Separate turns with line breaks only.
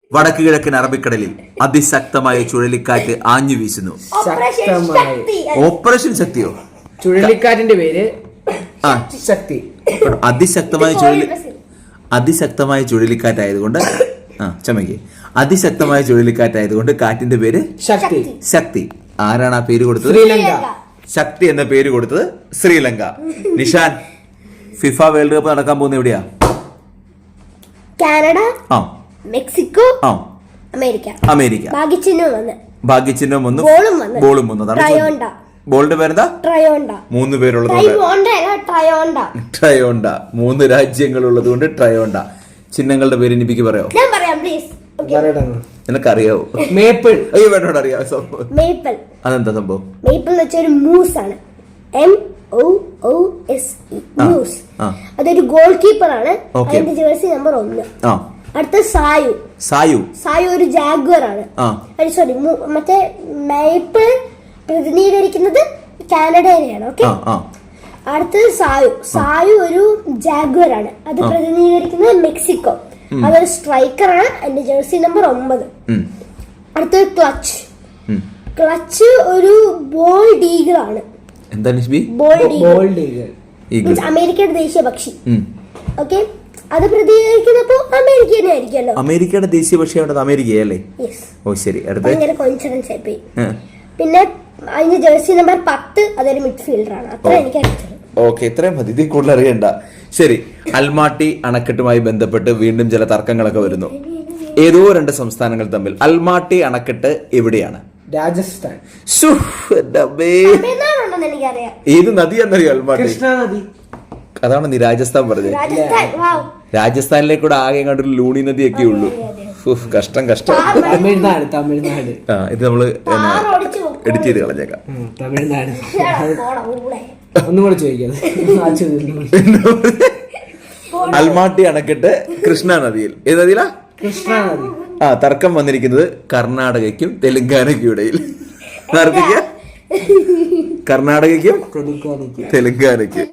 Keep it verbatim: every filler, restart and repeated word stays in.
വടക്ക് കിഴക്കൻ അറബിക്കടലിൽ അതിശക്തമായ ചുഴലിക്കാറ്റ് ആഞ്ഞു വീശുന്നു. ഓപ്പറേഷൻ ശക്തിയോ?
ചുഴലിക്കാറ്റിന്റെ പേര് ശക്തി.
അതിശക്തമായ ചുഴലി അതിശക്തമായ ചുഴലിക്കാറ്റായതുകൊണ്ട് ആ ചമയ്ക്ക് അതിശക്തമായ ചുഴലിക്കാറ്റായതുകൊണ്ട് കാറ്റിന്റെ പേര്
ശക്തി.
ശക്തി. ആരാണ് ആ പേര് കൊടുത്തത്?
ശ്രീലങ്ക.
ശക്തി എന്ന പേര് കൊടുത്തത് Sri Lanka. Nishan, FIFA world cup നടക്കാൻ പോകുന്ന എവിടെയാ?
കാനഡ,
ആ
മെക്സിക്കോ,
ആ
അമേരിക്ക.
അമേരിക്ക.
ഭാഗ്യചിഹ്നം വന്ന്
ഭാഗ്യചിഹ്നം വന്നു,
ബോളും വന്നു.
ബോളും വന്നു.
ട്രയോണ്ട.
ബോളിന്റെ പേരെന്താ?
ട്രയോണ്ട.
മൂന്ന് പേരുള്ളത്
ട്രയോണ്ട.
ട്രയോണ്ട. മൂന്ന് രാജ്യങ്ങൾ ഉള്ളത് കൊണ്ട് ട്രയോണ്ട. ചിഹ്നങ്ങളുടെ പേര് എനിക്ക് പറയോ?
ഞാൻ പറയാം പ്ലീസ്.
നിനക്കറിയാവോ?
മേപ്പിൾ.
അയ്യോ വേണ്ടോട് അറിയാം സംഭവം.
മേപ്പിൾ.
അതെന്താ സംഭവം?
മേപ്പിൾ എന്ന് വെച്ചാൽ ഒരു മൂസ് ആണ്. M O O S E. Moose. അതൊരു ഗോൾ കീപ്പർ ആണ്. അതിന്റെ ജേഴ്സി നമ്പർ ഒന്ന്. അടുത്ത സായു.
സായു.
സായു ഒരു ജാഗ്വർ ആണ്. സോറി, മറ്റേ മേപ്പിൾ പ്രതിനിധീകരിക്കുന്നത് കാനഡയിലെയാണ്. ഓക്കെ. അടുത്തത് സായു. സായു ഒരു ജാഗ്വർ ആണ്. അത് പ്രതിനിധീകരിക്കുന്നത് മെക്സിക്കോ. അതൊരു സ്ട്രൈക്കർ ആണ്. അതിന്റെ ജേഴ്സി നമ്പർ ഒമ്പത്. അടുത്തത് ക്ലച്ച്. ക്ലച്ച് ഒരു ബോൾഡ് ഈഗിൾ ആണ്. അമേരിക്കയുടെ ദേശീയ പക്ഷി. ഓക്കെ. അത് പ്രതിനിധീകരിക്കുന്നപ്പോ അമേരിക്ക തന്നെ ആയിരിക്കുമല്ലോ.
അമേരിക്കയുടെ ദേശീയ പക്ഷി അമേരിക്കയല്ലേ? ഓ ശരി.
ഭയങ്കര കോയിൻസിഡൻസ് ആയിപ്പോയി. പിന്നെ അതിന്റെ ജേഴ്സി നമ്പർ പത്ത്. അതൊരു മിഡ്ഫീൽഡർ ആണ്. അത്ര എനിക്ക് അറിയിച്ചത്.
ഓക്കെ, ഇത്രയും മതി. ഇതിൽ കൂടുതൽ അറിയണ്ട. ശരി, അൽമാട്ടി അണക്കെട്ടുമായി ബന്ധപ്പെട്ട് വീണ്ടും ചില തർക്കങ്ങളൊക്കെ വരുന്നു. ഏതോ രണ്ട് സംസ്ഥാനങ്ങൾ തമ്മിൽ. അൽമാട്ടി അണക്കെട്ട് എവിടെയാണ്?
രാജസ്ഥാൻ.
ഏത് നദിയാണെന്നറിയോ അൽമാട്ടി?
കൃഷ്ണ നദി.
അതാണ് നീ രാജസ്ഥാൻ പറഞ്ഞത്. രാജസ്ഥാനിലേക്കൂടെ ആകെ കണ്ടൊരു ലൂണി നദിയൊക്കെ ഉള്ളൂ. കഷ്ടം കഷ്ടം.
തമിഴ്നാട്. തമിഴ്നാട്.
ആ ഇത് നമ്മള് എഡിറ്റ് ചെയ്ത് കളഞ്ഞേക്കാം.
തമിഴ്നാട്. ഒന്നും കൂടെ ചോദിക്കാം.
അൽമാട്ടി അണക്കെട്ട് കൃഷ്ണ നദിയിൽ. ഏത് നദിയിലാ?
കൃഷ്ണ നദി.
ആ തർക്കം വന്നിരിക്കുന്നത് കർണാടകയ്ക്കും തെലുങ്കാനയ്ക്കും ഇടയിൽ. കർണാടകയ്ക്കും തെലുങ്കാനയ്ക്കും.